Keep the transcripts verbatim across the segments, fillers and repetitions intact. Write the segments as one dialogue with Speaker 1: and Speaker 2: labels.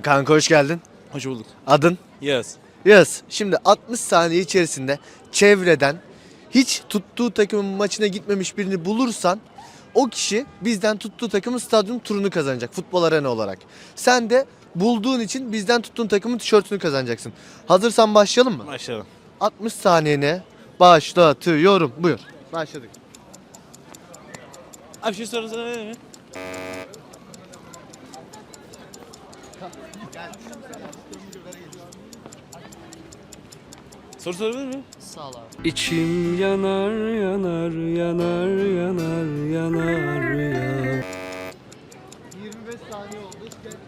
Speaker 1: Kanka hoş geldin.
Speaker 2: Hoş bulduk.
Speaker 1: Adın?
Speaker 2: Yes.
Speaker 1: Yağız. Şimdi altmış saniye içerisinde çevreden hiç tuttuğu takımın maçına gitmemiş birini bulursan o kişi bizden tuttuğu takımın stadyum turunu kazanacak futbol arena olarak. Sen de bulduğun için bizden tuttuğun takımın tişörtünü kazanacaksın. Hazırsan başlayalım mı?
Speaker 2: Başlayalım.
Speaker 1: altmış saniyene başlatıyorum. Buyur. Başladık.
Speaker 2: Abi bir şey sorusana verir mi? Soru sorabilir mi?
Speaker 3: İçim yanar yanar yanar yanar yanar ya.
Speaker 1: yirmi beş saniye oldu.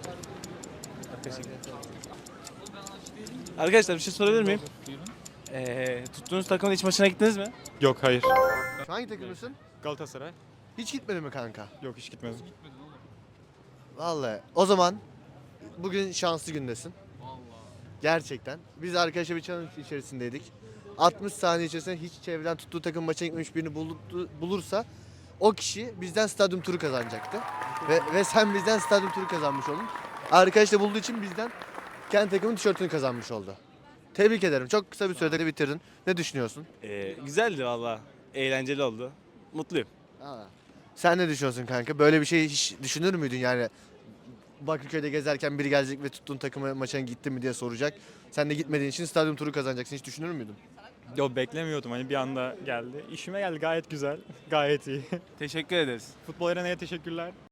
Speaker 2: Arkadaşlar bir şey sorabilir miyim? Ee, tuttuğunuz takımın iç maçına gittiniz mi?
Speaker 4: Yok hayır.
Speaker 1: Hangi takımlısın?
Speaker 4: Galatasaray?
Speaker 1: Hiç gitmedi mi kanka?
Speaker 4: Yok hiç gitmedim.
Speaker 1: Vallahi o zaman bugün şanslı gündesin. Gerçekten. Biz arkadaşlar bir challenge içerisindeydik. altmış saniye içerisinde hiç çevreden tuttuğu takım maça gitmemiş birini buldu- bulursa o kişi bizden stadyum turu kazanacaktı. Ve, ve sen bizden stadyum turu kazanmış oldun. Arkadaş da bulduğu için bizden kendi takımın tişörtünü kazanmış oldu. Tebrik ederim. Çok kısa bir sürede bitirdin. Ne düşünüyorsun?
Speaker 2: Ee, güzeldi valla. Eğlenceli oldu. Mutluyum.
Speaker 1: Aa. Sen ne düşünüyorsun kanka? Böyle bir şey hiç düşünür müydün yani? Bakırköy'de gezerken biri gelecek ve tuttuğun takıma maçına gittin mi diye soracak. Sen de gitmediğin için stadyum turu kazanacaksın. Hiç düşünür müydün?
Speaker 4: Yok beklemiyordum hani bir anda geldi. İşime geldi gayet güzel. Gayet iyi.
Speaker 2: Teşekkür ederiz.
Speaker 4: Futbol Arena'ya teşekkürler.